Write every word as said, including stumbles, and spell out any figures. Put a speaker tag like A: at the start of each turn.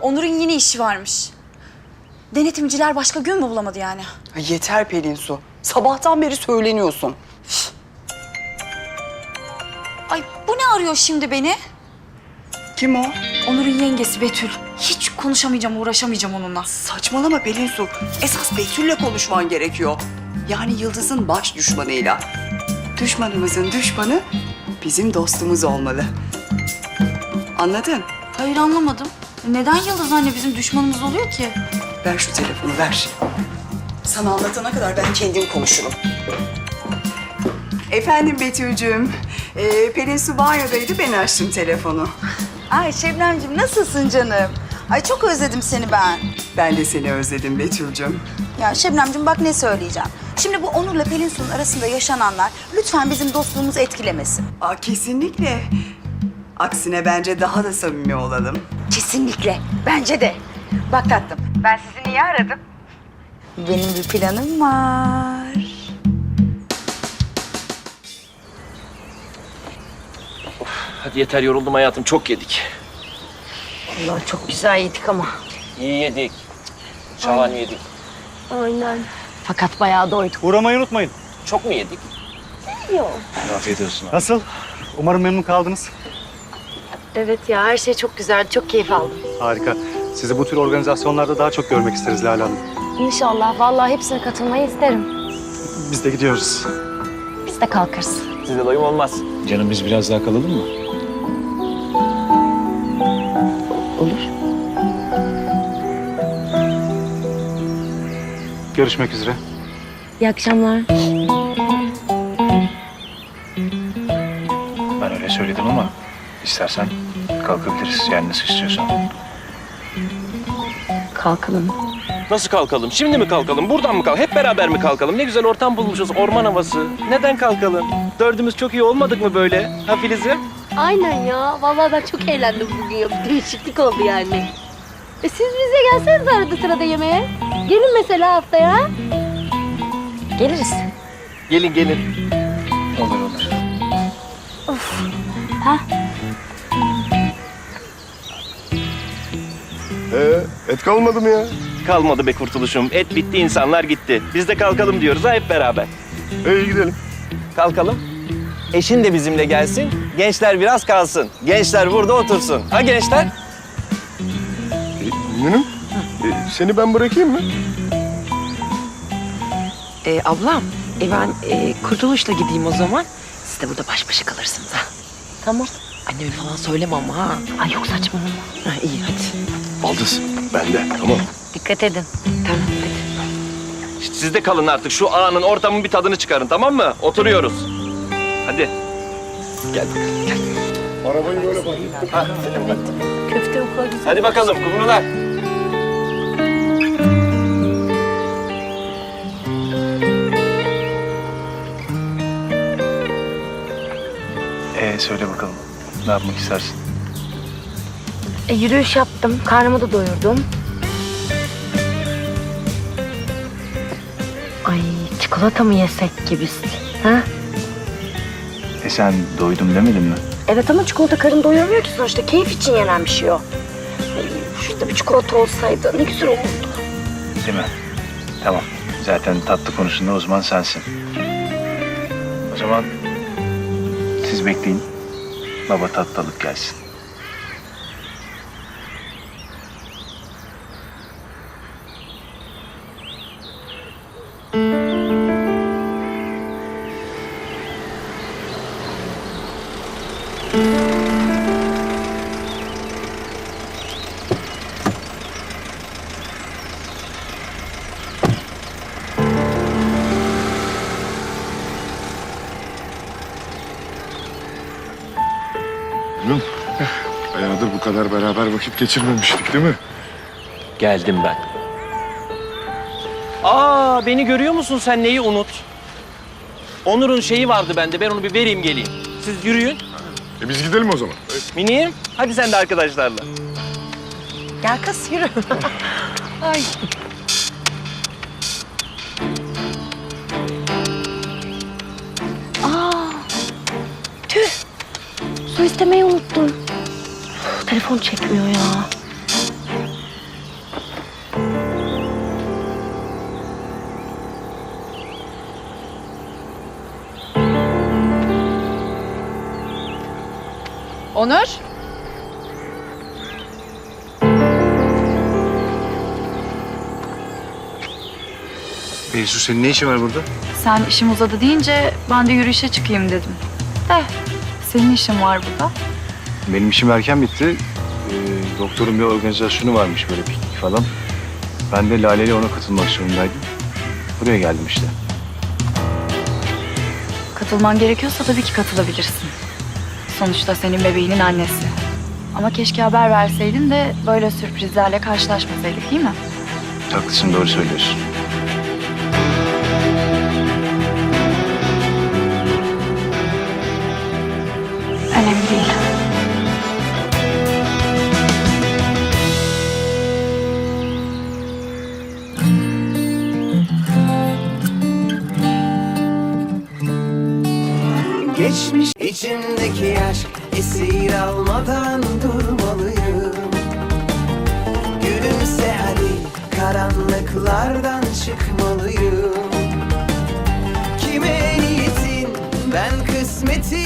A: Onur'un yine işi varmış. Denetimciler başka gün mü bulamadı yani?
B: Ay yeter Pelin Su. Sabahtan beri söyleniyorsun.
A: Ay bu ne arıyor şimdi beni?
B: Kim o?
A: Onur'un yengesi Betül. Hiç konuşamayacağım, uğraşamayacağım onunla.
B: Saçmalama Pelin Su. Esas Betül'le konuşman gerekiyor. Yani Yıldız'ın baş düşmanıyla. Düşmanımızın düşmanı bizim dostumuz olmalı. Anladın?
A: Hayır anlamadım. Neden Yıldız anne bizim düşmanımız oluyor ki?
B: Ver şu telefonu, ver. Sana anlatana kadar ben kendim konuşurum. Efendim Betül'cüğüm, ee, Pelin Su banyodaydı, ben açtım telefonu.
C: Ay Şebnemciğim nasılsın canım? Ay çok özledim seni ben.
B: Ben de seni özledim Betül'cüğüm.
C: Ya Şebnemciğim bak ne söyleyeceğim. Şimdi bu Onur'la Pelin Su'nun arasında yaşananlar lütfen bizim dostluğumuzu etkilemesin.
B: Aa, kesinlikle. Aksine bence daha da samimi olalım.
C: Kesinlikle. Bence de. Bak tatlım ben sizi niye aradım? Benim bir planım var.
D: Hadi yeter, yoruldum hayatım. Çok yedik.
E: Allah çok güzel yedik ama.
D: İyi yedik. Şahane yedik.
E: Aynen. Fakat bayağı doyduk.
F: Uğramayı unutmayın.
D: Çok mu yedik?
E: Yok.
D: Afiyet olsun.
F: Nasıl? Umarım memnun kaldınız.
E: Evet ya her şey çok güzeldi. Çok keyif aldım.
F: Harika. Sizi bu tür organizasyonlarda daha çok görmek isteriz Lale Hanım.
E: İnşallah. Vallahi hepsine katılmayı isterim.
F: Biz de gidiyoruz.
E: Biz de kalkarız.
D: Size doyum olmaz.
G: Canım biz biraz daha kalalım mı?
E: Olur.
F: Görüşmek üzere.
E: İyi akşamlar.
G: Ben öyle söyledim ama istersen kalkabiliriz. Yani nasıl istiyorsan.
E: Kalkalım.
D: Nasıl kalkalım? Şimdi mi kalkalım? Buradan mı kalkalım? Hep beraber mi kalkalım? Ne güzel ortam bulmuşuz. Orman havası. Neden kalkalım? Dördümüz çok iyi olmadık mı böyle? Ha Filiz'im?
E: Aynen ya. Vallahi ben çok eğlendim bugün ya. Bir değişiklik oldu yani. E siz bize gelseniz arada sırada yemeğe. Gelin mesela haftaya. Geliriz.
D: Gelin gelin.
G: Olur olur.
H: Ee, et kalmadı mı ya?
D: Kalmadı be kurtuluşum. Et bitti, insanlar gitti. Biz de kalkalım diyoruz ha hep beraber.
H: İyi gidelim.
D: Kalkalım. Eşin de bizimle gelsin. Gençler biraz kalsın. Gençler burada otursun. Ha gençler?
H: E, Münüm, e, seni ben bırakayım mı?
I: Ee, ablam, e ben e, Kurtuluş'la gideyim o zaman. Siz de burada baş başa kalırsınız ha.
E: Tamam.
I: Anneme falan söyleme ama ha.
E: Ay yok saçmalama.
I: Ha iyi hadi.
H: Baldız, ben de. Tamam.
E: Dikkat edin.
I: Tamam hadi.
D: İşte siz de kalın artık. Şu anın, ortamın bir tadını çıkarın, tamam mı? Oturuyoruz. Hadi. Gel bakalım, gel.
H: Arabayı böyle bak.
E: Köfte o kadar güzel.
D: Hadi bakalım kumrular.
G: Ee söyle bakalım. Ne yapmak istersin?
E: E, yürüyüş yaptım. Karnımı da doyurdum. Ay çikolata mı yesek ki biz? Ha?
G: E sen doydum demedin mi?
E: Evet ama çikolata karın doyurmuyor ki sonuçta. Keyif için yenen bir şey o. Ay, şurada bir çikolata olsaydı ne güzel olurdu.
G: Değil mi? Tamam. Zaten tatlı konusunda uzman sensin. O zaman siz bekleyin. Baba tatlı alıp gelsin.
H: Münüm, bayağıdır bu kadar beraber vakit geçirmemiştik değil mi?
D: Geldim ben. Aa, beni görüyor musun sen? Neyi unut? Onur'un şeyi vardı bende. Ben onu bir vereyim geleyim. Siz yürüyün.
H: E biz gidelim o zaman.
D: Miniğim, hadi sen de arkadaşlarla.
I: Gel kız yürü. Ay.
E: Aa, tüh. Su istemeyi unuttum. Telefon çekmiyor ya.
A: Onur?
G: Beysu senin ne işin var burada?
A: Sen işim uzadı deyince ben de yürüyüşe çıkayım dedim. De senin işin var burada.
G: Benim işim erken bitti. Ee, doktorun bir organizasyonu varmış böyle piknik falan. Ben de Lale ile ona katılmak zorundaydım. Buraya geldim işte.
A: Katılman gerekiyorsa tabii ki katılabilirsin. Sonuçta senin bebeğinin annesi. Ama keşke haber verseydin de böyle sürprizlerle karşılaşmasaydık, değil mi?
G: Haklısın, doğru söylüyorsun.
A: Önemli değil.
J: Geçmiş içimdeki aşk esir almadan durmalıyım. Gülümse hadi, karanlıklardan çıkmalıyım. Kime niyetin, ben kısmetin